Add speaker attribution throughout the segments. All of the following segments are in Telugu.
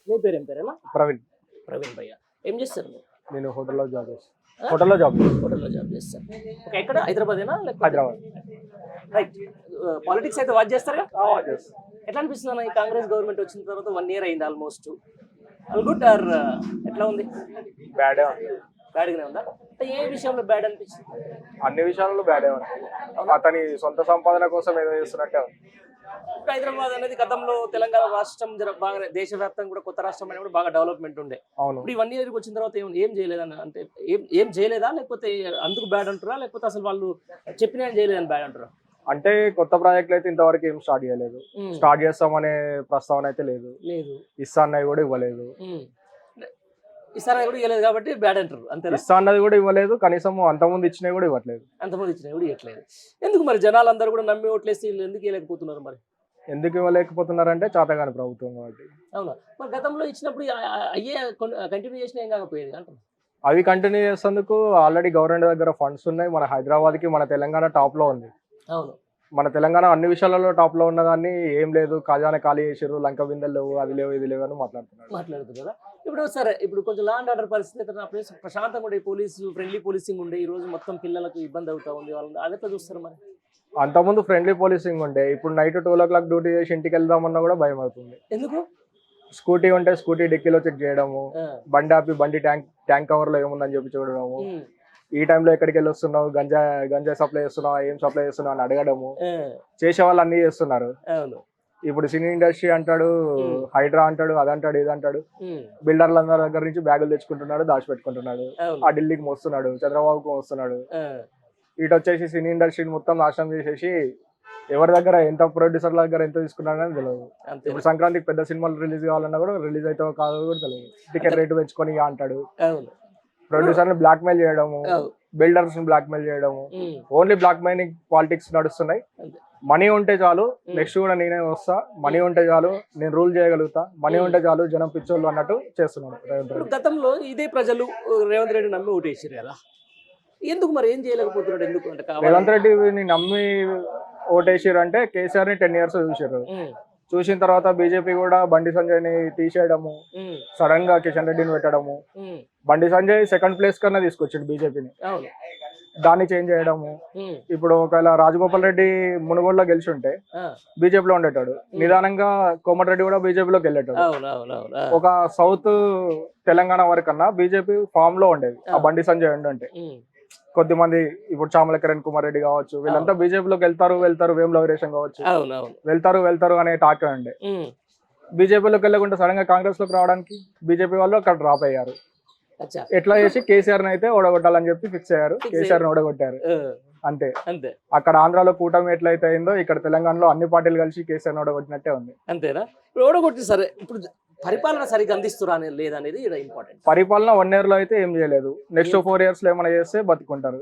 Speaker 1: మీ పేరేం పేరేనా?
Speaker 2: ప్రవీణ్.
Speaker 1: ప్రవీణ్ భయ్య. ఏం చేస్తారు మీరు?
Speaker 2: నేను హోటల్లో జాబ్ చేస్తాను. హోటల్లో జాబ్ చేస్తాను.
Speaker 1: హోటల్లో జాబ్ చేస్తారు. ఓకే, ఎక్కడ? హైదరాబాదేనా లేకపోతే?
Speaker 2: హైదరాబాద్.
Speaker 1: రైట్. పాలిటిక్స్ అయితే వాచ్ చేస్తారుగా?
Speaker 2: చేస్తాను.
Speaker 1: ఎట్లా అనిపిస్తుంది ఈ కాంగ్రెస్ గవర్నమెంట్ వచ్చిన తర్వాత 1 year అయింది ఆల్మోస్ట్. ఆల్ గుడ్ ఆర్ ఎట్లా ఉంది?
Speaker 2: బ్యాడే
Speaker 1: బ్యాడ్గానే ఉందా? అంటే ఏ విషయంలో బ్యాడ్ అనిపించింది?
Speaker 2: అన్ని విషయాల్లో బ్యాడే ఉంది. అతని సొంత సంపాదన కోసం ఏదో చేస్తున్నట్టే ఉంది.
Speaker 1: ఇప్పుడు హైదరాబాద్ అనేది గతంలో తెలంగాణ రాష్ట్రం బాగా దేశవ్యాప్తంగా కూడా కొత్త రాష్ట్రం అనేది కూడా బాగా డెవలప్మెంట్ ఉండే.
Speaker 2: అవును.
Speaker 1: ఇప్పుడు ఈ 1 year వచ్చిన తర్వాత ఏం చేయలేదని అంటే ఏం చేయలేదా, లేకపోతే అందుకు బ్యాడ్ అంటారా, లేకపోతే అసలు వాళ్ళు చెప్పిన చేయలేదని బ్యాడ్ అంటారా?
Speaker 2: అంటే కొత్త ప్రాజెక్టులు అయితే ఇంతవరకు ఏం స్టార్ట్ చేయలేదు. స్టార్ట్ చేస్తామనే ప్రస్తావన అయితే లేదు. ఇస్తా అన్నది కూడా ఇవ్వలేదు.
Speaker 1: ఈసారి కూడా ఇవ్వలేదు కాబట్టి బ్యాడ్ అంటారు అంతే.
Speaker 2: ఇస్తా అన్నది కూడా ఇవ్వలేదు, కనీసం అంతకుముందు ఇచ్చినవి కూడా ఇవ్వట్లేదు.
Speaker 1: అంతకుముందు ఇచ్చినవి కూడా ఇవ్వట్లేదు. ఎందుకు మరి జనాలందరూ కూడా నమ్మి ఓట్లేసి వీళ్ళు ఎందుకు ఇవ్వలేకపోతున్నారు మరి?
Speaker 2: ఎందుకు ఇవ్వలేకపోతున్నారంటే చేతగాని ప్రభుత్వం కాబట్టి.
Speaker 1: అవునా? మరి గతంలో ఇచ్చినప్పుడు అయ్యే కంటిన్యూ చేసినా ఏం కాకపోయేది అంటారు.
Speaker 2: అవి కంటిన్యూ చేసేందుకు ఆల్రెడీ గవర్నమెంట్ దగ్గర ఫండ్స్ ఉన్నాయి. మన హైదరాబాద్కి మన తెలంగాణ టాప్ లో ఉంది.
Speaker 1: అవును.
Speaker 2: మన తెలంగాణ అన్ని విషయాలలో టాప్ లో ఉన్నదాన్ని ఏం లేదు, ఖజానా ఖాళీ చేసారు, లంక బిందెలు లేవు, అది లేవు ఇది లేవు అని మాట్లాడుతున్నారు
Speaker 1: కదా. ఇప్పుడు సరే, ఇప్పుడు కొంచెం లా అండ్ ఆర్డర్ పరిస్థితి ప్రశాంతంగా ఉండే ఫ్రెండ్లీ పోలీసింగ్ ఉండే, ఈ రోజు మొత్తం పిల్లలకు ఇబ్బంది అవుతా ఉంది. వాళ్ళని అదే చూస్తారు మరి.
Speaker 2: అంతకుముందు ఫ్రెండ్లీ పోలీసింగ్ ఉండే, ఇప్పుడు నైట్ 12 o'clock డ్యూటీ చేసి ఇంటికి వెళ్దామన్నా కూడా భయం అవుతుంది.
Speaker 1: ఎందుకు?
Speaker 2: స్కూటీ ఉంటే స్కూటీ డిక్కీలో చెక్ చేయడము, బండి ఆపి బండి ట్యాంక్ కవర్ లో ఏముందని చెప్పి చూడడము, ఈ టైంలో ఎక్కడికి వెళ్ళి వస్తున్నావు, గంజా సప్లై చేస్తున్నావు, ఏం సప్లై చేస్తున్నావు అని అడగడము, చేసే వాళ్ళు అన్ని చేస్తున్నారు. ఇప్పుడు సినీ ఇండస్ట్రీ అంటాడు, హైడ్రా అంటాడు, అదంటాడు ఇదంటాడు, బిల్డర్లందరి దగ్గర నుంచి బ్యాగులు తెచ్చుకుంటున్నాడు, దాచిపెట్టుకుంటున్నాడు, ఆ ఢిల్లీకి మోస్తున్నాడు, చంద్రబాబుకు మోస్తున్నాడు. ఇటు వచ్చేసి సినీ ఇండస్ట్రీని మొత్తం నాశనం చేసేసి ఎవరి దగ్గర ఎంత, ప్రొడ్యూసర్ల దగ్గర ఎంత తీసుకున్నాడని తెలియదు. ఇప్పుడు సంక్రాంతికి పెద్ద సినిమాలు రిలీజ్ కావాలన్నా కూడా రిలీజ్ అయితే కాదు కూడా తెలియదు. టికెట్ రేటు పెంచుకొని అంటాడు. ప్రొడ్యూసర్ ని బ్లాక్ మెయిల్ చేయడము, బిల్డర్స్ ని బ్లాక్ మెయిల్ చేయడము, ఓన్లీ బ్లాక్ మెయిలింగ్ పాలిటిక్స్ నడుస్తున్నాయి. మనీ ఉంటే చాలు, నెక్స్ట్ కూడా నేనే వస్తా, మనీ ఉంటే చాలు, నేను రూల్ చేయగలుగుతా, మనీ ఉంటే చాలు, జనం పిచ్చోళ్ళు అన్నట్టు చేస్తున్నాడు రేవంత్ రెడ్డి.
Speaker 1: గతంలో ఇదే ప్రజలు రేవంత్ రెడ్డి నమ్మి ఓటేసారు కదా, ఎందుకు మరి ఏం చేయలేకపోతున్నాడు? ఎందుకు అంటే
Speaker 2: రేవంత్ రెడ్డిని నమ్మి ఓటేసారు అంటే కేసీఆర్ ని 10 years చూసారు. చూసిన తర్వాత బీజేపీ కూడా బండి సంజయ్ ని తీసేయడము, సడన్ గా కిషన్ రెడ్డిని పెట్టడము, బండి సంజయ్ సెకండ్ ప్లేస్ కన్నా తీసుకొచ్చాడు బీజేపీని, దాన్ని చేంజ్ చేయడము. ఇప్పుడు ఒకవేళ రాజగోపాల్ రెడ్డి మునుగోడులో గెలిచి ఉంటే బీజేపీలో ఉండేటాడు, నిదానంగా కోమటిరెడ్డి కూడా బీజేపీలోకి వెళ్ళేటాడు. ఒక సౌత్ తెలంగాణ వరకన్నా బీజేపీ ఫామ్ లో ఉండేది ఆ బండి సంజయ్ ఉండంటే. కొద్దిమంది ఇప్పుడు చామల కిరణ్ కుమార్ రెడ్డి కావచ్చు, వీళ్ళంతా బీజేపీలోకి వెళ్తారు, వేముల వీరేశం కావచ్చు, వెళ్తారు అనే టాక్ ఉండే. బీజేపీలోకి వెళ్ళకుండా సడన్ గా కాంగ్రెస్ లోకి రావడానికి బీజేపీ వాళ్ళు అక్కడ డ్రాప్ అయ్యారు. ఎట్లా చేసి కేసీఆర్ అయితే ఓడగొట్టాలని చెప్పి ఫిక్స్ అయ్యారు, కేసీఆర్ ఓడగొట్టారు అంతే. అక్కడ ఆంధ్రాలో కూటమి ఎట్లయితే అయిందో ఇక్కడ తెలంగాణలో అన్ని పార్టీలు కలిసి కేసీఆర్ ఓడగొట్టినట్టే ఉంది.
Speaker 1: అంతేనా? ఓడగొట్టి సరే, ఇప్పుడు పరిపాలన సరిగ్గా అందిస్తురా లేదనేది ఇంపార్టెంట్.
Speaker 2: పరిపాలన 1 year లో అయితే ఏం చేయలేదు, నెక్స్ట్ 4 years లో ఏమైనా చేస్తే బతుకుంటారు,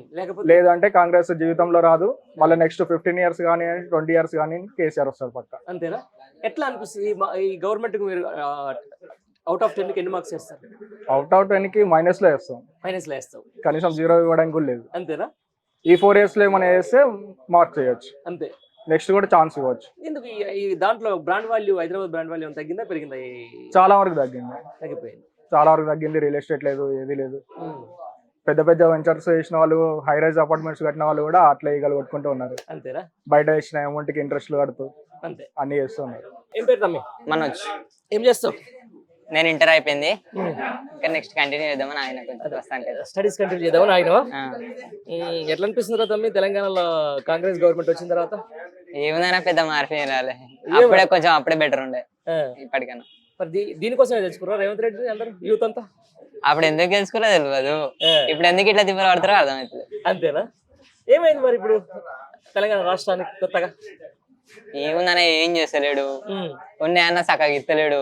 Speaker 2: లేదంటే కాంగ్రెస్ జీవితంలో రాదు. మళ్ళీ నెక్స్ట్ 15 years కానీ 20 years కానీ కేసీఆర్ వస్తారు పక్క.
Speaker 1: అంతేనా? ఎట్లా అనిపిస్తుంది ఈ గవర్నమెంట్ కి? మీరు అవుట్ ఆఫ్ 10 ఎన్ని మార్క్స్ వేస్తారు?
Speaker 2: అవుట్ ఆఫ్ 10 కి మైనస్ లో వేస్తాం, కనీసం 0 ఇవ్వడానికి కూడా లేదు.
Speaker 1: అంతేనా?
Speaker 2: ఈ 4 years లో ఏమైనా చేస్తే మార్క్స్ చేయొచ్చు, అంతే. నెక్స్ట్ కూడా ఛాన్స్ ఇవ్వచ్చు.
Speaker 1: ఎందుకు ఈ దాంట్లో brand value, Hyderabad brand value తగ్గిందా పెరిగిందా?
Speaker 2: చాలా వరకు తగ్గిపోయింది, చాలా వరకు తగ్గింది. రియల్ ఎస్టేట్ లేదు, ఏది లేదు. పెద్ద పెద్ద వెంచర్స్ చేసిన వాళ్ళు, హై రైజ్ అపార్ట్మెంట్స్ కట్టిన వాళ్ళు కూడా అట్లా ఈగలు కొట్టుకుంటూ ఉన్నారు. అంతేనా? బయట వేసిన అమౌంట్ కి ఇంట్రెస్ట్లు కడుతూ అంతే అన్ని చేస్తున్నారు.
Speaker 1: ఏం పేరు తమ్మి?
Speaker 3: మనోజ్.
Speaker 1: ఏం చేస్తావు?
Speaker 3: నేను ఇంటర్ అయిపోయింది, నెక్స్ట్ కంటిన్యూ చేద్దామని ఆయన
Speaker 1: స్టడీస్ కంటిన్యూ చేద్దామని ఆయన. ఎట్లా అనిపిస్తుందా తమ్మి తెలంగాణలో కాంగ్రెస్ గవర్నమెంట్ వచ్చిన తర్వాత?
Speaker 3: ఏముందైనా పెద్ద మార్పు రాలే, అప్పుడే బెటర్ ఉండే ఇప్పటికన్నా.
Speaker 1: మరి దీనికోసమే తెలుసుకున్నారా రేవంత్ రెడ్డి అందరూ యూత్ అంతా?
Speaker 3: అప్పుడు ఎందుకు తెలుసుకోలే తెలియదు, ఇప్పుడు ఎందుకు ఇట్లా తిప్పలు పడతారో అర్థమవుతుంది.
Speaker 1: అంతేనా? ఏమైంది మరి ఇప్పుడు తెలంగాణ రాష్ట్రానికి కొత్తగా?
Speaker 3: ఏముందన్నా ఏం చేస్తలేడు, ఉన్నాయన్నా చక్కగా ఇస్తలేడు,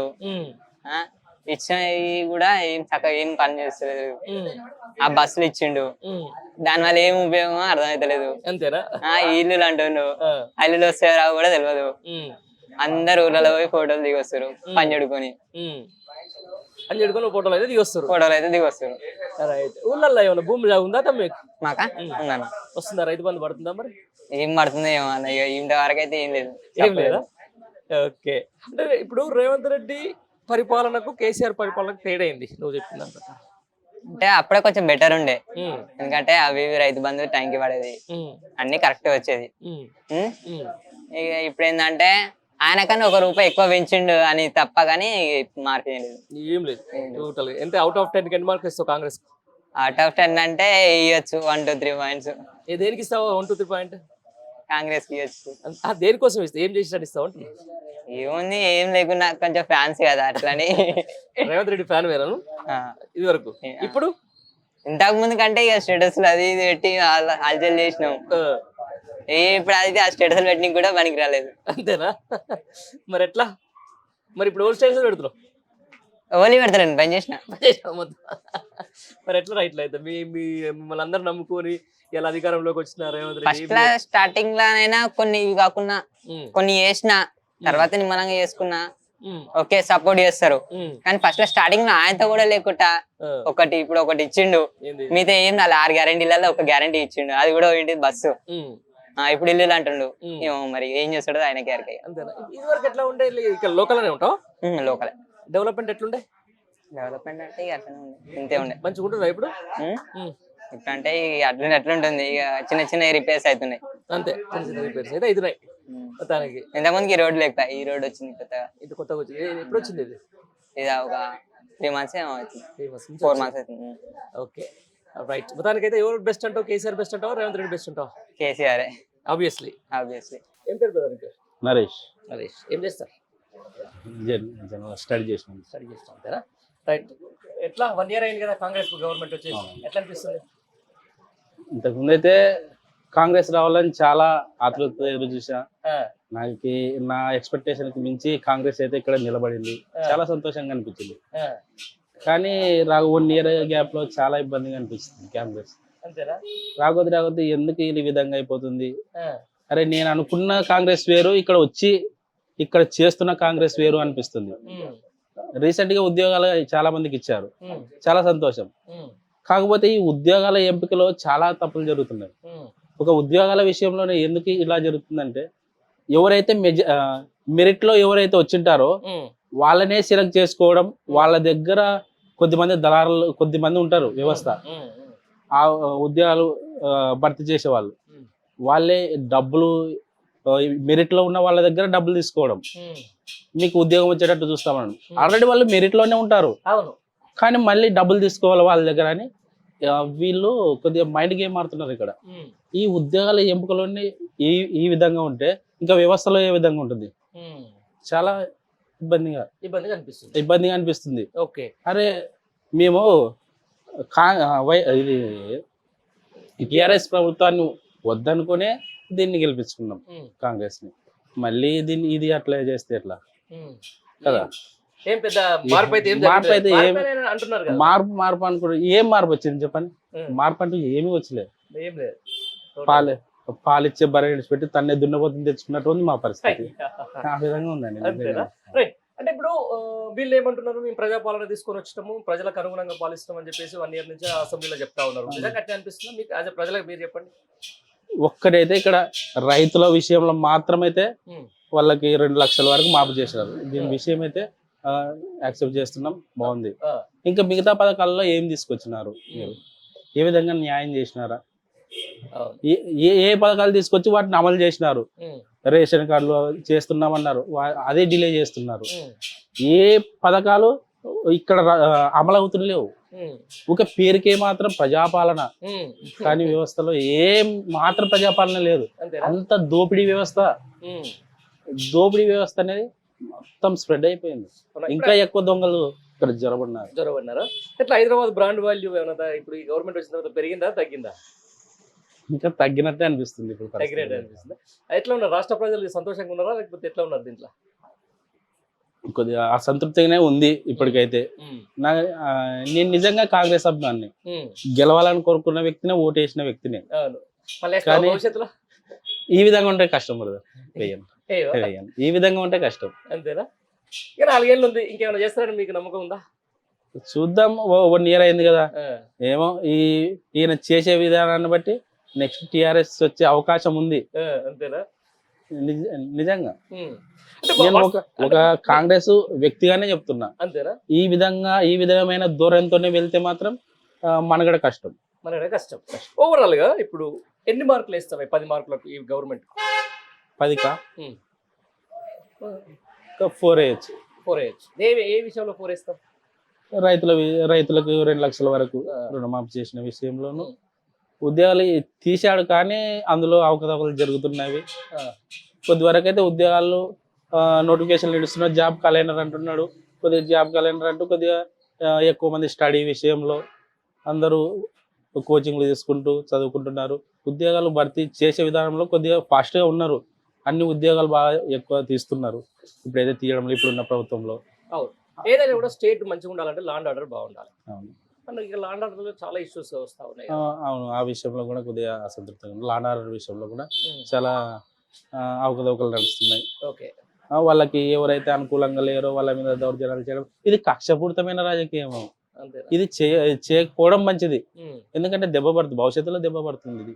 Speaker 3: ఇచ్చినవి కూడా ఏం చక్కగా ఏం పని చేస్తలేదు. ఆ బస్సులు ఇచ్చిండు, దాని వల్ల ఏం ఉపయోగం అర్థమైతలేదు.
Speaker 1: అంతేనా?
Speaker 3: ఇల్లులు అంటుండు, ఇల్లులు వస్తే రావు కూడా తెలియదు. అందరు ఊర్లలో పోయి ఫోటోలు దిగొస్తారు, పని చెడుకొని
Speaker 1: ఫోటోలు అయితే
Speaker 3: దిగొస్తారు.
Speaker 1: ఊళ్ళల్లో ఏమన్నా భూమి ఉందా తమ్మి?
Speaker 3: మాకా ఉందన్న.
Speaker 1: వస్తుందా? రైతు బంధు పడుతుందా? మరి
Speaker 3: ఏం పడుతుంది ఏమో అన్న, ఇంత వరకు అయితే ఏం లేదు.
Speaker 1: ఏం లేదా? ఓకే. అంటే ఇప్పుడు రేవంత్ రెడ్డి పరిపాలనకు కేసీఆర్ పరిపాలనకు తేడా ఏంది నువ్వు చెప్పిందంత?
Speaker 3: అంటే అప్పుడే కొంచెం బెటర్ ఉండే, ఎందుకంటే అవి ఇవి రైతు బంధు టైంకి పడేది, అన్ని కరెక్ట్ వచ్చేది. ఇక ఇప్పుడు ఏంటంటే ఆయనకన్నా ₹1 ఎక్కువ పెంచిండు అని తప్ప కానీ మార్పు ఏం లేదు.
Speaker 1: ఏం లేదు టోటల్. ఎంత అవుట్ ఆఫ్ 10 ఎన్ని మార్కులు ఇస్తావు కాంగ్రెస్?
Speaker 3: అవుట్ ఆఫ్ 10 అంటే ఇవ్వచ్చు 1 to 3 పాయింట్స్.
Speaker 1: దేనికి ఇస్తావు 1 to 3 పాయింట్?
Speaker 3: కాంగ్రెస్ కి ఇవ్వచ్చు.
Speaker 1: దేనికోసం ఇస్తావు? ఏం చేసినట్టు ఇస్తావు అంటే?
Speaker 3: ఏముంది, ఏం లేకున్నా కొంచెం ఫ్యాన్స్ కదా అట్లని.
Speaker 1: రేవంత్ రెడ్డి ఫ్యాన్ వేరాను ఇది వరకు. ఇప్పుడు
Speaker 3: ఇంతకు ముందు కంటే ఇక స్టేటస్ అది ఇది పెట్టి అల్జల్ చేసినాం. ఇప్పుడు అది ఆ స్టేటస్ పెట్టి కూడా పనికి రాలేదు.
Speaker 1: అంతేనా? మరి ఎట్లా? మరి ఇప్పుడు ఓల్డ్ స్టేటస్ పెడుతున్నావు?
Speaker 3: ఓన్లీ పెడతారండి, పని చేసిన.
Speaker 1: మరి ఎట్లా రైట్లు అయితే మిమ్మల్ని అందరూ నమ్ముకొని ఇలా అధికారంలోకి వచ్చిన రేవంత్ రెడ్డి?
Speaker 3: ఫస్ట్ స్టార్టింగ్ లోనైనా కొన్ని ఇవి కాకుండా కొన్ని చేసిన తర్వాత నిమ్మలంగా చేసుకున్నా ఓకే సపోర్ట్ చేస్తారు. కానీ ఫస్ట్ లో స్టార్టింగ్ లో ఆయనతో కూడా లేకుండా ఇప్పుడు ఒకటి ఇచ్చిండు, మిగతా ఏం రాలే. 6 గ్యారెంటీలలో ఒక గ్యారెంటీ ఇచ్చిండు, అది కూడా ఏంటి బస్సు. ఇప్పుడు ఇల్లు అంటుండు, ఏమో మరి ఏం చేస్తాడో ఆయన గ్యారెంటీ.
Speaker 1: అంతేనా? ఇది వరకు ఎట్లా ఉండే? ఇక్కడ లోకల్ అనే ఉంటావు?
Speaker 3: లోకలే.
Speaker 1: డెవలప్మెంట్ ఎట్లుండే?
Speaker 3: డెవలప్మెంట్ అంటే ఇక అట్లనే ఉంది, ఇంతే ఉండే.
Speaker 1: మంచిగా ఉంటుందా ఇప్పుడు?
Speaker 3: ఇప్పుడు అంటే అట్లా ఎట్లుంటుంది, ఇక చిన్న చిన్న రిపేర్స్ అవుతున్నాయి
Speaker 1: అంతే. చిన్న చిన్న రిపేర్స్ అయితే అవుతున్నాయి మొత్తానికి.
Speaker 3: ఇంతకుముందుకి ఈ రోడ్ లేక ఈ రోడ్ వచ్చింది కొత్తగా.
Speaker 1: ఇది కొత్తగా వచ్చింది. ఎప్పుడు వచ్చింది ఇది?
Speaker 3: ఇది ఒక 3 months ఏమో అవుతుంది, 4 months అవుతుంది.
Speaker 1: Okay right. మొత్తానికి అయితే ఎవరు బెస్ట్ అంటావు? కేసీఆర్ బెస్ట్ అంటావు, రేవంత్ రెడ్డి బెస్ట్ అంటావు?
Speaker 3: KCR
Speaker 1: obviously. ఏం పేరు బ్రదర్?
Speaker 4: నరేష్.
Speaker 1: నరేష్. ఏం చేస్తారు?
Speaker 4: స్టడీ చేసినాం.
Speaker 1: స్టడీ చేస్తాం అంతేనా? రైట్. ఎట్లా 1 year అయింది కదా కాంగ్రెస్ గవర్నమెంట్ వచ్చేసి, ఎట్లా అనిపిస్తుంది?
Speaker 4: ఇంతకుముందు అయితే కాంగ్రెస్ రావాలని చాలా ఆతృత ఎదురు చూసా. నాకు నా ఎక్స్పెక్టేషన్ కి మించి కాంగ్రెస్ అయితే ఇక్కడ నిలబడింది, చాలా సంతోషంగా అనిపించింది. కానీ 1 year గ్యాప్ లో చాలా ఇబ్బందిగా అనిపిస్తుంది కాంగ్రెస్.
Speaker 1: అంతేనా?
Speaker 4: రాకొద్ది ఎందుకు ఈ విధంగా అయిపోతుంది? అరే నేను అనుకున్న కాంగ్రెస్ వేరు, ఇక్కడ వచ్చి ఇక్కడ చేస్తున్న కాంగ్రెస్ వేరు అనిపిస్తుంది. రీసెంట్ గా ఉద్యోగాలు చాలా మందికి ఇచ్చారు, చాలా సంతోషం. కాకపోతే ఈ ఉద్యోగాల ఎంపికలో చాలా తప్పులు జరుగుతున్నాయి. ఒక ఉద్యోగాల విషయంలోనే ఎందుకు ఇలా జరుగుతుందంటే, ఎవరైతే మెరిట్ లో ఎవరైతే వచ్చింటారో వాళ్ళనే సెలెక్ట్ చేసుకోవడం, వాళ్ళ దగ్గర కొద్దిమంది దళారులు కొద్దిమంది ఉంటారు వ్యవస్థ, ఆ ఉద్యోగాలు భర్తీ చేసే వాళ్ళు, వాళ్ళే డబ్బులు మెరిట్ లో ఉన్న వాళ్ళ దగ్గర డబ్బులు తీసుకోవడం, మీకు ఉద్యోగం వచ్చేటట్టు చూస్తామని. ఆల్రెడీ వాళ్ళు మెరిట్ లోనే ఉంటారు, కానీ మళ్ళీ డబ్బులు తీసుకోవాలి వాళ్ళ దగ్గర అని వీళ్ళు కొద్దిగా మైండ్ గేమ్ ఆడుతున్నారు ఇక్కడ. ఈ ఉద్యోగాల ఎంపికలోనే ఈ విధంగా ఉంటే ఇంకా వ్యవస్థలో ఏ విధంగా ఉంటుంది? చాలా ఇబ్బందిగా అనిపిస్తుంది.
Speaker 1: ఓకే.
Speaker 4: అరే మేము ఇది టిఆర్ఎస్ ప్రభుత్వాన్ని వద్దనుకునే దీన్ని గెలిపించుకున్నాం కాంగ్రెస్ ని. మళ్ళీ దీన్ని ఇది అట్లా చేస్తే ఎట్లా కదా? మార్పు అనుకో, ఏం మార్పు వచ్చింది చెప్పండి? మార్పు అంటూ ఏమీ వచ్చలేదు. పాలిచ్చే బర్రె పెట్టి తన్నే దున్నపోతుంది తెచ్చుకున్నట్టు ఉంది మా పరిస్థితి. ఆ విధంగా ఉందండి.
Speaker 1: అంటే ఇప్పుడు వీళ్ళు ఏమంటున్నారు, మేము ప్రజాపాలన తీసుకొని వచ్చినాము, ప్రజలకు అనుగుణంగా పాలిస్తాం అని చెప్పేసి 1 year నుంచి అసెంబ్లీలో చెప్తా ఉన్నారు. నిజంగా అట్లా అనిపిస్తుంది మీకు? యాజ్ ప్రజలకు మీరు చెప్పండి.
Speaker 4: ఒక్కడైతే ఇక్కడ రైతుల విషయంలో మాత్రమైతే వాళ్ళకి 2 లక్షల వరకు మాపు చేసినారు. దీని విషయం అయితే యాక్సెప్ట్ చేస్తున్నాం, బాగుంది. ఇంకా మిగతా పథకాలలో ఏం తీసుకొచ్చినారు? ఏ విధంగా న్యాయం చేసినారా? ఏ పథకాలు తీసుకొచ్చి వాటిని అమలు చేసినారు? రేషన్ కార్డులు చేస్తున్నామన్నారు, అదే డిలే చేస్తున్నారు. ఏ పథకాలు ఇక్కడ అమలు అవుతులేవు. ఒక పేరుకే మాత్రం ప్రజాపాలన, కానీ వ్యవస్థలో ఏం మాత్రం ప్రజాపాలన లేదు. అంత దోపిడీ వ్యవస్థ. దోపిడీ వ్యవస్థ అనేది మొత్తం స్ప్రెడ్ అయిపోయింది. ఇంకా ఎక్కువ దొంగలు ఇక్కడ జొరబడినారు.
Speaker 1: ఎట్లా హైదరాబాద్ బ్రాండ్ వాల్యూ ఏమన్నా ఇప్పుడు ఈ గవర్నమెంట్ వచ్చిన తర్వాత పెరిగిందా తగ్గిందా?
Speaker 4: ఇంకా తగ్గినట్టే అనిపిస్తుంది. ఇప్పుడు
Speaker 1: తగ్గినట్టే అనిపిస్తుంది. ఎట్లా ఉన్నారు రాష్ట్ర ప్రజలు? సంతోషంగా ఉన్నారా లేకపోతే ఎట్లా ఉన్నారు? దీంట్లో
Speaker 4: కొద్దిగా అసంతృప్తిగానే ఉంది ఇప్పటికైతే. నేను నిజంగా కాంగ్రెస్ అభిమాని, గెలవాలని కోరుకున్న వ్యక్తినే, ఓటు వేసిన వ్యక్తినే. కానీ ఈ విధంగా ఉంటే కష్టం బ్రదర్, వేయను. ఈ విధంగా ఉంటే కష్టం.
Speaker 1: అంతేనా? ఇక 4 ఏళ్ళు ఉంది, ఇంకేమైనా చేస్తారని మీకు నమ్మకం ఉందా?
Speaker 4: చూద్దాం. 1 year అయింది కదా, ఏమో ఈయన చేసే విధానాన్ని బట్టి నెక్స్ట్ టిఆర్ఎస్ వచ్చే అవకాశం ఉంది.
Speaker 1: అంతేనా?
Speaker 4: నిజంగా
Speaker 1: అంటే
Speaker 4: నేను ఒక కాంగ్రెస్ వ్యక్తిగానే చెప్తున్నా.
Speaker 1: అంతేనా?
Speaker 4: ఈ విధమైన ధోరణితోనే వెళ్తే మాత్రం మనగడ కష్టం.
Speaker 1: మన కష్టం. ఓవరాల్ గా ఇప్పుడు ఎన్ని మార్కులు వేస్తాయి 10 మార్కులకు ఈ గవర్నమెంట్?
Speaker 4: 10కా 4 వేయచ్చు.
Speaker 1: 4 వేయచ్చు. ఏ విషయంలో 4 వేస్తాం?
Speaker 4: రైతులకు 2 లక్షల వరకు రుణమాఫీ చేసిన విషయంలోను ఉద్యోగాలు తీశాడు, కానీ అందులో అవకతవకలు జరుగుతున్నవి. కొద్ది వరకు అయితే ఉద్యోగాలు నోటిఫికేషన్లు ఇస్తున్నారు, జాబ్ క్యాలెండర్ అంటున్నాడు. కొద్దిగా జాబ్ క్యాలెండర్ అంటూ కొద్దిగా ఎక్కువ మంది స్టడీ విషయంలో అందరూ కోచింగ్లు తీసుకుంటూ చదువుకుంటున్నారు. ఉద్యోగాలు భర్తీ చేసే విధానంలో కొద్దిగా ఫాస్ట్గా ఉన్నారు. అన్ని ఉద్యోగాలు బాగా ఎక్కువ తీస్తున్నారు ఇప్పుడైతే తీయడంలో ఇప్పుడున్న ప్రభుత్వంలో.
Speaker 1: అవును, ఏదైనా కూడా స్టేట్ మంచిగా ఉండాలంటే లాండ్ ఆర్డర్ బాగుండాలి.
Speaker 4: అవును,
Speaker 1: మనకి ఇక లాండ్ ఆర్డర్ లో చాలా ఇష్యూస్ వస్తా ఉన్నాయి.
Speaker 4: అవును, ఆ విషయంలో కూడా కొద్దిగా అసంతృప్తిగా ఉంది. లాండ్ ఆర్డర్ విషయంలో కూడా చాలా అవకతవకలు నడుస్తున్నాయి.
Speaker 1: ఓకే,
Speaker 4: వాళ్ళకి ఎవరైతే అనుకూలంగా లేరో వాళ్ళ మీద దౌర్జన్యాలు చేయడం, ఇది కక్షపూరితమైన రాజకీయం.
Speaker 1: అంతే.
Speaker 4: ఇది చేయకపోవడం మంచిది, ఎందుకంటే దెబ్బ పడుతుంది, భవిష్యత్తులో దెబ్బ పడుతుంది ఇది.